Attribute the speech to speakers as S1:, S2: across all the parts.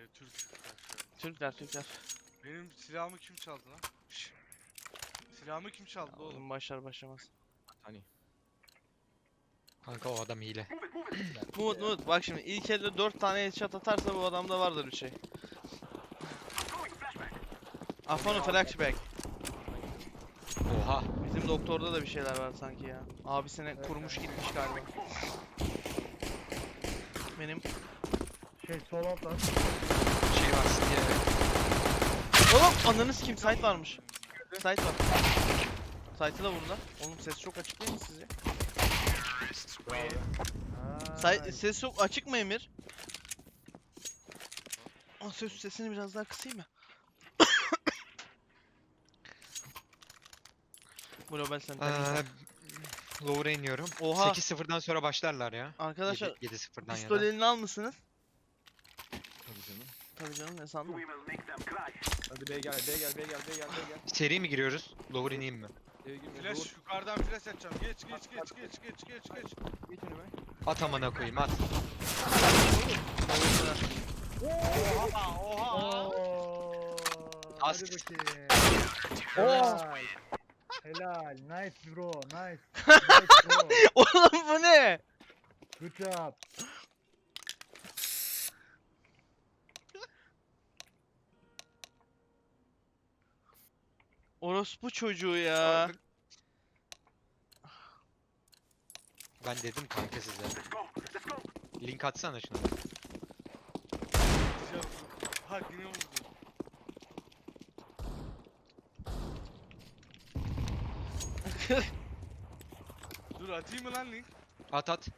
S1: Türk.
S2: Türkler.
S1: Benim silahımı kim çaldı lan? Şşş. Silahımı kim çaldı oğlum?
S2: Oğlum başlar başlamaz.
S3: Hani. Kanka o adam hile.
S2: Umut bak şimdi ilk elde 4 tane headshot atarsa bu adamda vardır bir şey. Afon'un flashback.
S3: Oha.
S2: Bizim doktorda da bir şeyler var sanki ya. Abisine kurmuş gitmiş galiba. Benim...
S4: Sol alttan.
S3: Şey var diye.
S2: Oğlum ananı sikeyim site varmış. Site var. Site'ı da vurdular. Oğlum ses çok açık değil mi sizce? Ses çok açık mı Emir? Aa, sesini biraz daha kısayım mı? Global Center.
S3: Lower'a iniyorum.
S2: Oha.
S3: 8-0'dan sonra başlarlar ya.
S2: Arkadaşlar
S3: 7-0'dan ya
S2: pistol
S3: da.
S2: elini almışsınız.
S5: Tabii canım.
S2: Tabii canım ne sandın?
S5: Hadi B gel.
S3: Seri mi giriyoruz? Lower ineyim mi?
S5: Eve girme.
S1: Flash yukarıdan flash atacağım. Geç.
S5: Geç önüme.
S3: At amına koyayım at.
S4: Oha.
S3: Az.
S4: Hadi bakayım. Helal. Helal. Nice bro. Nice. Bro.
S2: Oğlum bu ne?
S4: Good job.
S2: Orospu çocuğu ya.
S3: Ben dedim kanka size. Link atsana şunu.
S1: Ha yine vurdu. Dur atayım mı lan link?
S3: At.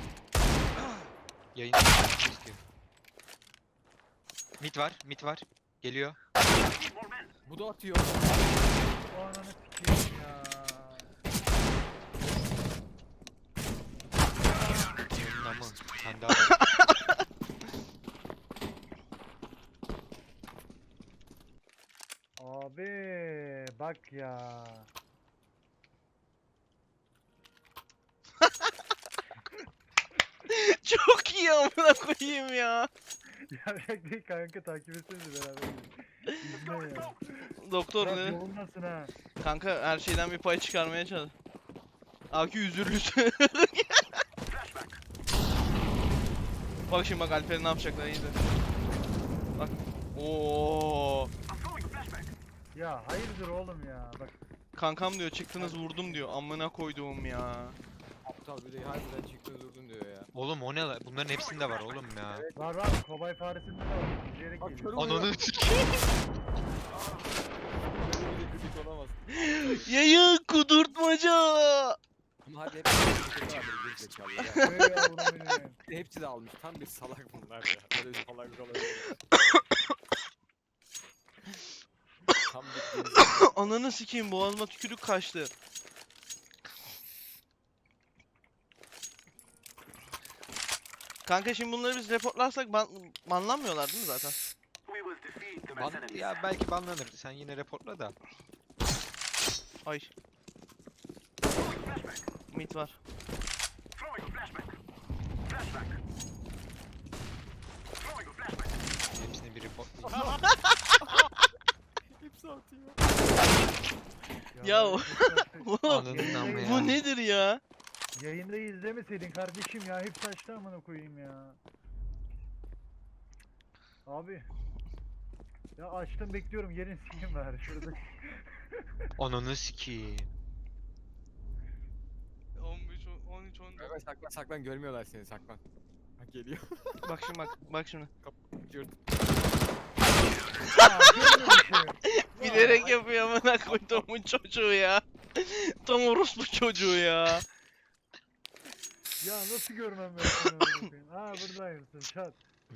S3: Yayın istiyor. Mid var. Geliyor.
S5: Bu da atıyor.
S4: O ananı sikeyim ya.
S3: Onun ama. Sen daha var.
S4: Abi bak ya.
S2: Çok iyi amına koyayım ya.
S4: Yarrak değil kanka, takip etsenize beraber. İzle ya.
S2: Doktor
S4: Bırak
S2: ne?
S4: yolunmasın ha.
S2: Kanka her şeyden bir pay çıkarmaya çalış. Akü üzürlüsü. Bak şimdi bak Alper'in ne yapacaklar iyi de. Bak. Oo.
S4: Ya hayırdır oğlum ya. Bak
S2: Kankam diyor çıktınız vurdum diyor. Amına koyduğum ya.
S5: Aptal bir de harbiden çıktı durdun diyor ya.
S3: Oğlum o ne lan? Bunların hepsinde var oğlum ya.
S4: var kobay faresinde de var. İzleyerek
S5: Bak,
S4: geliyor.
S5: körüm.
S3: Ananı
S5: Böyle bir kritik olamaz.
S2: Yayın kudurtmaca.
S5: Ama hadi hep bir vardır gerizekalı ya.
S4: Ey yavrum benim.
S5: Hepsi de almış. Tam bir salak bunlar ya. Böyle bir salak olabilir. Tam bir gerizekalı.
S2: Ananı sikeyim boğazıma tükürük kaçtı. Kanka şimdi bunları biz reportlarsak banlanmıyorlar değil mi zaten?
S3: Ya belki banlanır. Sen yine reportla da.
S2: Ay. Mid var.
S3: Hepsini bir report.
S5: Hepsi atıyor.
S2: Ya
S4: ben
S2: o-
S4: hep
S2: Oğlum
S3: Ananın amma ya.
S2: bu nedir ya?
S4: yayında izlemeseydin kardeşim ya. Hep saçta amına koyayım ya. Abi. Ya açtım bekliyorum, yerin sikeyim bari şurada.
S3: Ananı sikeyim.
S1: 15, 13, 14.
S5: Hemen saklan görmüyorlar seni saklan. Bak geliyor.
S2: Bak şimdi bak şimdi.
S5: Cırt.
S4: Ya görmemişim.
S2: Bilerek yapıyor amına koyduğumun çocuğu ya. Tam orospu çocuğu ya.
S4: Ya nasıl görmem ben seni amına koyayım. Ha buradaymışsın çat.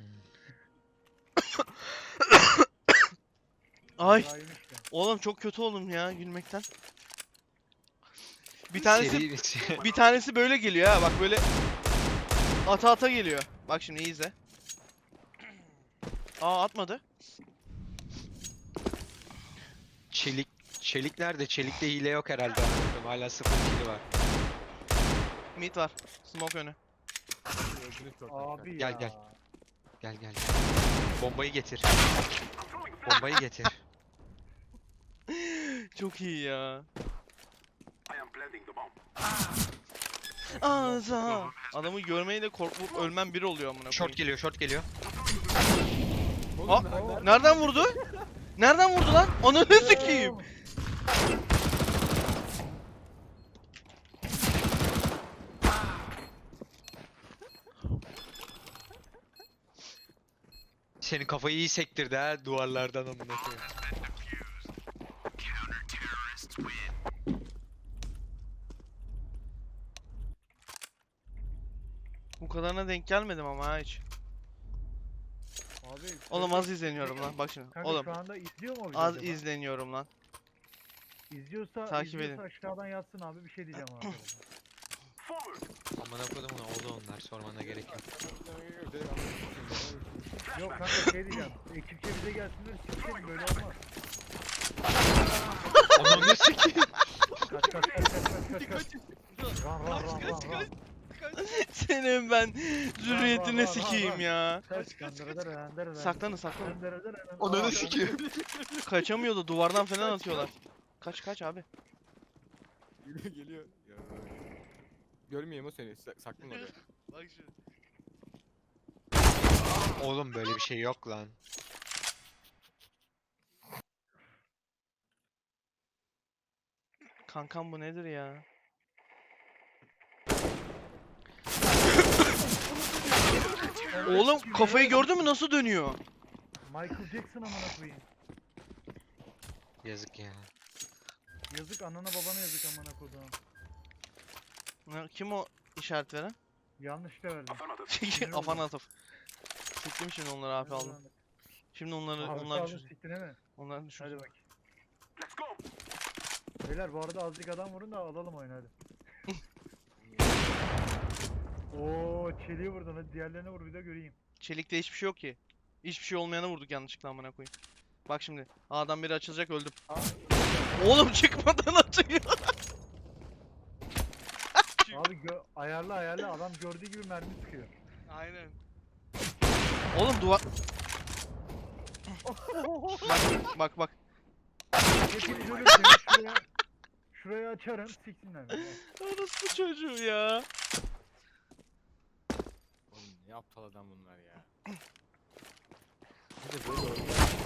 S2: Ay
S4: Buradaymış ya.
S2: oğlum çok kötü oldum ya gülmekten. Bir tanesi
S3: Seri
S2: bir tanesi böyle geliyor ha bak böyle ata geliyor. Bak şimdi iyi izle. Aa atmadı.
S3: Çelik nerede? Çelikte hile yok herhalde. Anladım. Hala 0 kili var.
S2: Mid var. Smoke önü.
S5: Öldünüz çok.
S4: Abi
S3: Gel,
S4: ya.
S3: gel. Gel. Bombayı getir. Bombayı getir.
S2: Çok iyi ya. Ağza. Adamı görmeyle korkup ölmem bir oluyor amına
S3: Short
S2: koyayım.
S3: geliyor, short geliyor.
S2: Ha, nereden vurdu? Nereden vurdu lan? Ananı sikeyim.
S3: Senin kafayı iyi sektirdi ha duvarlardan amına koyayım.
S2: Bu kadarına denk gelmedim ama ha hiç.
S4: Abi.
S2: Oğlum az izleniyorum lan. Bak şimdi.
S4: Kanka
S2: Oğlum
S4: şu anda izliyor mu o bizi
S2: az
S4: acaba?
S2: izleniyorum lan.
S4: İzliyorsa,
S2: Takip
S4: izliyorsa
S2: edin.
S4: aşağıdan yazsın abi, bir şey diyeceğim abi.
S3: Amına koydum ona oldu onlar sormana gerek yok.
S4: Yok kanka şey diyeceğim. Ekipçe bize gelsinler, siksin, böyle olmaz.
S3: Ananı sikeyim.
S4: Kaç kaç kaç kaç kaç kaç. Ran.
S2: Senin ben zürriyetine
S4: var,
S2: sikeyim
S4: var.
S2: ya.
S4: Kaç.
S2: Saklanın saklanın.
S3: Ananı sikeyim.
S2: Kaçamıyor da duvardan falan atıyorlar. Kaç abi.
S5: Geliyor. Ya. Görmeyeyim o seni. Saklan oraya.
S1: Bak şimdi.
S3: Oğlum böyle bir şey yok lan.
S2: Kankam bu nedir ya? Oğlum kafayı gördün mü nasıl dönüyor?
S4: Michael Jackson amına koyayım.
S3: Yazık ya.
S4: Yazık anana babana yazık amına koyduğum.
S2: Kim o işaret veren?
S4: Yanlış da verdim.
S2: Afan atıf. Siktim şimdi onları abi aldım. Şimdi onlar
S4: aldın
S2: düşürdüm.
S4: siktin he mi?
S2: Onlar
S4: Hadi
S2: düşürdüm.
S4: bak. Beyler bu arada azıcık adam vurun da alalım oyunu hadi. Oo çeliği vurdun, hadi diğerlerine vur bir de göreyim.
S2: Çelikte hiçbir şey yok ki. Hiçbir şey olmayana vurduk yanlışlıkla amına koyayım. Bak şimdi. A'dan biri açılacak öldüm. Oğlum çıkmadan atıyor.
S4: Abi ayarla adam gördüğü gibi mermi sıkıyor.
S1: Aynen.
S2: Oğlum duvar... bak.
S4: Hepiniz ölürseniz şuraya açarım siksinler beni.
S2: Orası bu çocuğu ya.
S5: Oğlum ne aptal adam bunlar ya. Bir de böyle oynuyor.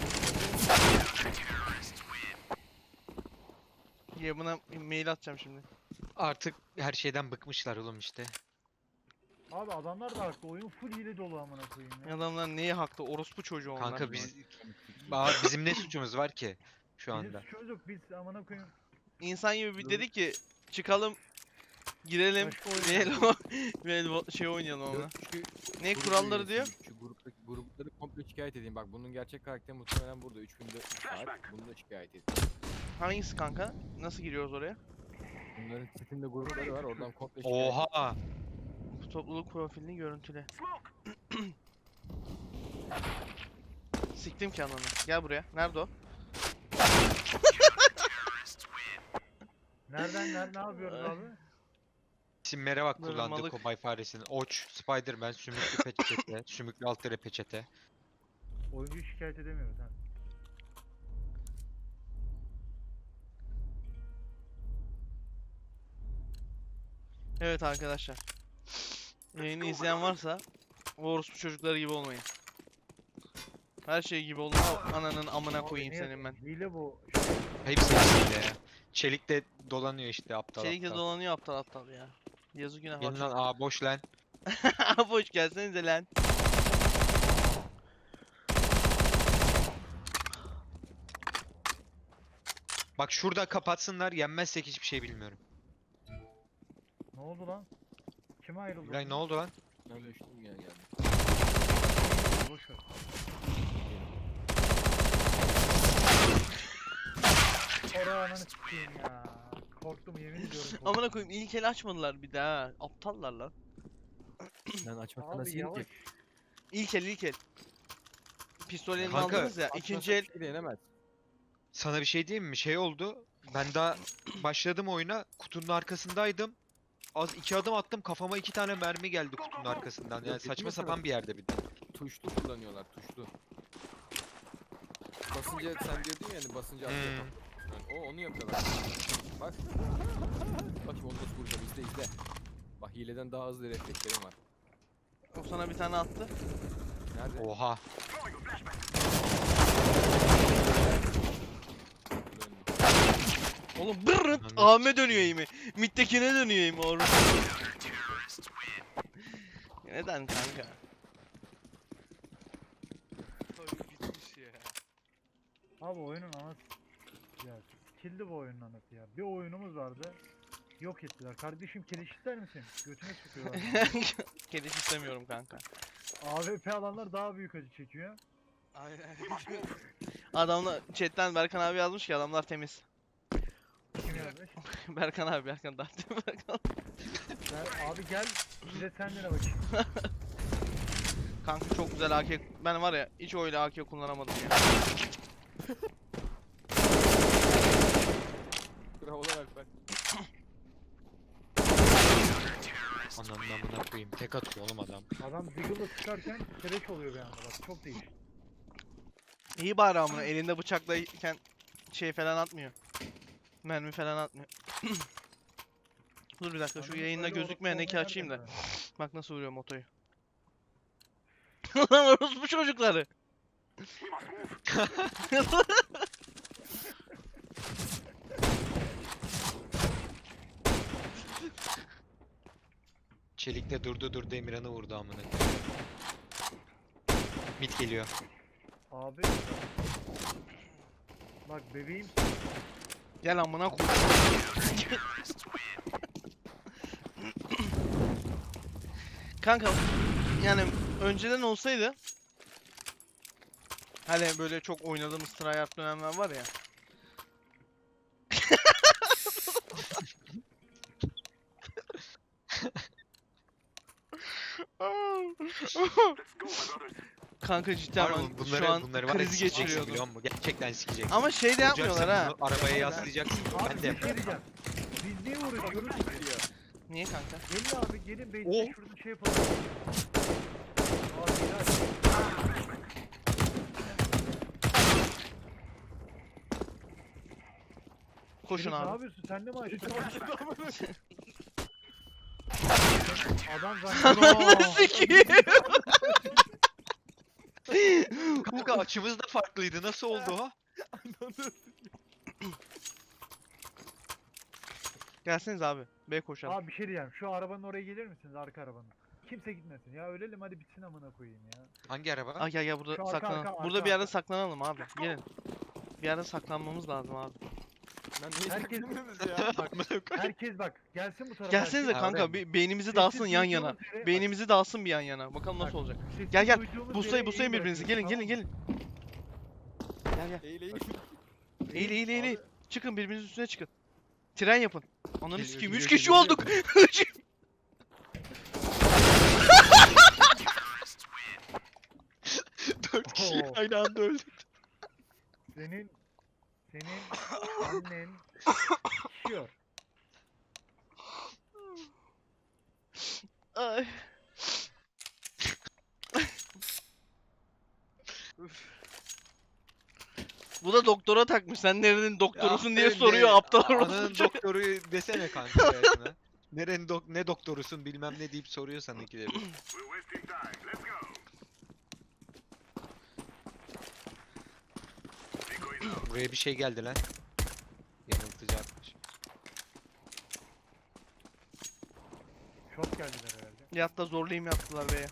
S2: Ya buna mail atacağım şimdi.
S3: Artık her şeyden bıkmışlar oğlum işte.
S4: Abi adamlar da haklı, oyun full hile dolu amına koyayım ya.
S2: Adamlar neyi haklı? Orospu çocuğu onlar.
S3: Kanka bizim ne suçumuz var ki şu
S4: Bizim
S3: anda?
S4: suçumuz yok, biz amına koyayım.
S2: İnsan gibi bir dedi ki çıkalım girelim
S4: Başka oyun
S2: şey oynayalım ona.
S5: Yok, şu
S2: Ne
S5: grup
S2: kuralları diyor?
S5: üyesiyim. Şu grupları komple şikayet edeyim. Bak bunun gerçek karakteri muhtemelen burada 3400 saat. Bunu da şikayet edeyim.
S2: Hangisi kanka? Nasıl giriyoruz oraya?
S5: Bunların sitinde grupları var. Oradan komple şikayet edeyim.
S3: Oha!
S2: Bu topluluk profilini görüntüle. Siktim ki ananı. Gel buraya. Nerede o?
S4: Nereden ne yapıyoruz abi?
S3: İsimlere bak
S2: Böyle
S3: kullandığı
S2: malık.
S3: kobay faresinin. Oç, Spiderman, sümüklü peçete, sümüklü alt tere peçete.
S4: Oyuncuyu şikayet edemiyoruz ha.
S2: Evet arkadaşlar. Yayını izleyen varsa o orospu çocukları gibi olmayın. Her şey gibi olun. Ananın amına
S4: Abi
S2: koyayım
S4: niye-
S2: senin ben.
S4: Hile bu.
S3: Hepsi hepsiyle ya. Çelik de dolanıyor işte aptal
S2: Çelikle
S3: aptal.
S2: dolanıyor aptal aptal ya. Yazık günah
S3: Gelin
S2: var.
S3: lan aa boş lan.
S2: Boş gelsenize lan.
S3: Bak şurada kapatsınlar yenmezsek hiçbir şey bilmiyorum.
S4: Ne oldu lan? Kime ayrıldı?
S3: Lan ne oldu lan?
S5: Ben düştüm gel geldim.
S4: Boş ver. Oraya ananı sikeyim ya. Korktum yemin ediyorum. korktum.
S2: Amına koyayım ilk el açmadılar bir daha. Aptallar lan.
S5: Lan açmakta
S4: Abi
S5: nasıl
S4: yavaş.
S5: yenecek?
S2: İlk el. Pistol elini
S3: Kanka,
S2: aldınız ya. İkinci el
S5: Açmasak yenemez.
S3: Sana bir şey diyeyim mi? Şey oldu. Ben daha başladım oyuna. Kutunun arkasındaydım. Az 2 adım attım. Kafama 2 tane mermi geldi kutunun arkasından. Yani
S5: Yok,
S3: saçma
S5: ciddi
S3: sapan
S5: misin?
S3: bir yerde bir de.
S5: Tuşlu kullanıyorlar tuşlu. basınca sen diyordun ya hani basınca atıyor.
S3: Hmm.
S5: Yani onu yapıyorlar. Bak. Bak şimdi onu nasıl vuracağım izle. Bak hileden daha hızlı reflekslerim var.
S2: O sana bir tane attı.
S5: Nerede?
S3: Oha.
S5: Döndüm.
S2: Oğlum bırrıt
S3: Anladım.
S2: Ahmet dönüyor eğimi. Mid'dekine dönüyor eğimi orada. Neden kanka?
S1: Oyun bitmiş ya.
S4: Abi oyunun anası. Ya kildi bu oyunun anası ya. Bir oyunumuz vardı. Yok ettiler. Kardeşim keleş ister misin? Götüne sıkıyorlar.
S2: Keleş istemiyorum kanka.
S4: AWP alanlar daha büyük acı çekiyor.
S1: Aynen.
S2: Adamlar chatten Berkan abi yazmış ki adamlar temiz.
S4: Kim yazmış?
S2: Berkan abi Berkan daha temiz Berkan.
S4: Abi gel. Bir de sen dene bakayım.
S2: Kanka çok güzel AK. Ben var ya hiç öyle AK kullanamadım ya.
S5: Bravolar Alper.
S3: Ananın amına koyayım. Tek atıyor oğlum adam.
S4: Adam Deagle'la sıkarken keleş oluyor bir anda bak. Çok değişik.
S2: İyi bari amına elinde bıçaklayken şey falan atmıyor. Mermi falan atmıyor. Dur bir dakika şu
S4: Adamın
S2: yayında
S4: öyle
S2: gözükmeyen
S4: orospu
S2: eki açayım da.
S4: olmayan nereden
S2: Bak nasıl vuruyor motoyu. Lan orospu çocukları.
S3: Çelik'te durdu Emirhan'ı vurdu amına. Mit geliyor.
S4: Abi. Bak bebeğim.
S2: Gel amına koy. Kanka yani önceden olsaydı hani böyle çok oynadığımız tryhard dönemler var ya. Kanka cidden
S3: Harbi
S2: ben şu an
S3: bunları var ya
S2: krizi
S3: sikeceksin
S2: geçiriyordum.
S3: biliyor musun? Gerçekten sikeceksin.
S2: Ama şey de yapmıyorlar ha.
S3: Bunu arabaya yaslayacaksın.
S4: Abi
S3: Ben
S4: bir
S3: de
S4: şey
S3: yaparım.
S4: diyeceğim. Biz niye uğraşıyoruz?
S2: Niye kanka?
S4: Gelin abi gelin
S3: Oh.
S4: base'de şurada şey yapalım. Abi helal.
S2: Koşun
S4: Herif Ne
S2: abi.
S4: yapıyorsun? Sen de mi açtın? Adam
S2: Ananı
S4: zannediyor.
S2: sikeyim.
S3: Kanka açımız da farklıydı. Nasıl oldu o?
S2: Gelseniz abi. B koşalım.
S4: Abi bir şey diyeceğim. Şu arabanın oraya gelir misiniz? Arka arabanın. Kimse gitmesin. Ya ölelim hadi bitsin amına koyayım ya.
S3: Hangi araba?
S2: Ay gel gel burada
S4: Şu arka,
S2: saklanalım.
S4: arka,
S2: Burada
S4: arka,
S2: bir yerde
S4: arka.
S2: saklanalım abi. Gelin. Bir yerde saklanmamız lazım abi.
S5: Lan niye
S4: Herkes-
S5: saklanıyorsunuz ya?
S3: Amına koyayım.
S4: Herkes bak. Gelsin bu tarafa.
S2: Gelsenize
S3: Ha,
S2: kanka
S3: oraya mı?
S2: bir beynimizi
S4: Sessiz
S2: dağılsın yan yana.
S4: duyduğumuz yere-
S2: Beynimizi dağılsın bir yan yana. Bakalım
S4: Bak,
S2: nasıl olacak.
S4: sessiz
S2: Gel, gel.
S4: duyduğumuz
S2: Buslayın
S4: yere
S2: buslayın
S4: eğim
S2: birbirinizi. Gelin
S4: bırakıyoruz,
S2: gelin
S4: tamam
S2: gelin. Gel gel.
S5: Eğil eğil.
S4: mı?
S2: Eğil eğil eğil. eğil.
S4: Abi,
S2: Çıkın birbirinizin üstüne çıkın. Tren yapın. Ananı
S3: Geliyor,
S2: sikeyim
S3: geliyor,
S2: 3 kişi
S3: geliyor,
S2: olduk.
S3: Dört kişi
S4: Oo.
S3: aynı anda öldü.
S4: Senin annen şişiyor.
S2: Ay. Bu da doktora takmış. Sen nerenin doktorusun diye
S3: Aferin
S2: soruyor
S3: de,
S2: aptal
S3: Ananın
S2: orospu.
S3: doktoru desene kanka hayatına. Ne doktorusun bilmem ne deyip soruyor sana ikileri. Buraya bir şey geldi lan. Yanıltıcı atmış.
S4: Şok geldiler herhalde.
S2: Yatta zorlayayım yaptılar beye.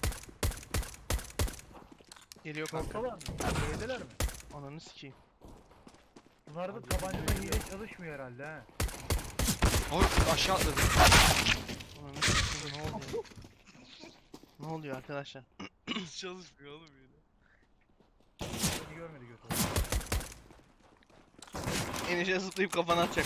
S2: Geliyor kanka.
S4: Korkalar mı? Beydeler mi?
S2: Ananı sikeyim.
S4: Bunlarda tabancada hile çalışmıyor herhalde ha.
S3: Oy aşağı atladı.
S2: Ananı sikeyim ne oluyor? Ne oluyor arkadaşlar?
S1: Hiç çalışmıyor oğlum yine.
S4: Beni görmedi götü.
S2: Enişe zıplayıp kafana atacak.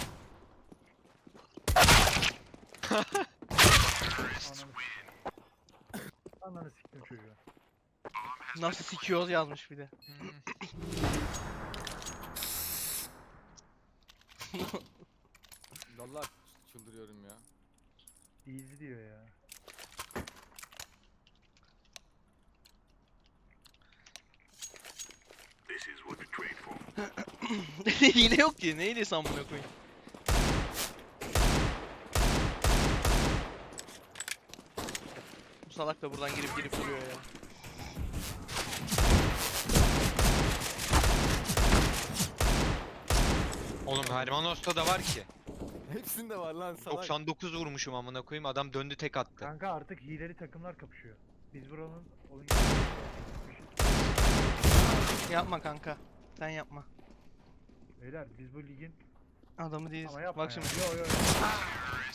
S4: Ananı siktim çocuğu.
S2: Nasıl sikiyoruz yazmış bir de.
S5: Vallahi çıldırıyorum ya.
S4: Easy diyor ya.
S2: Hile yok ki. Ne hilesi amına koyayım? Bu salak da buradan girip duruyor ya.
S3: Oğlum Hermanos'ta da var ki.
S5: Hepsinde var lan salak.
S3: 99 vurmuşum amına koyayım. Adam döndü tek attı.
S4: Kanka artık hileli takımlar kapışıyor. Biz buranın oyun
S2: Yapma kanka. Sen yapma.
S4: Beyler biz bu ligin
S2: Adamı değiliz.
S4: ama yapma
S2: Bak
S4: ya.
S2: şimdi.
S4: Yo yo yo.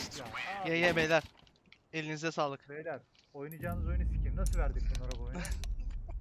S4: Ya abi,
S2: Ye beyler. Elinize sağlık.
S4: beyler oynayacağınız oyunu sikeyim. Nasıl verdik bunlara bu oyunu?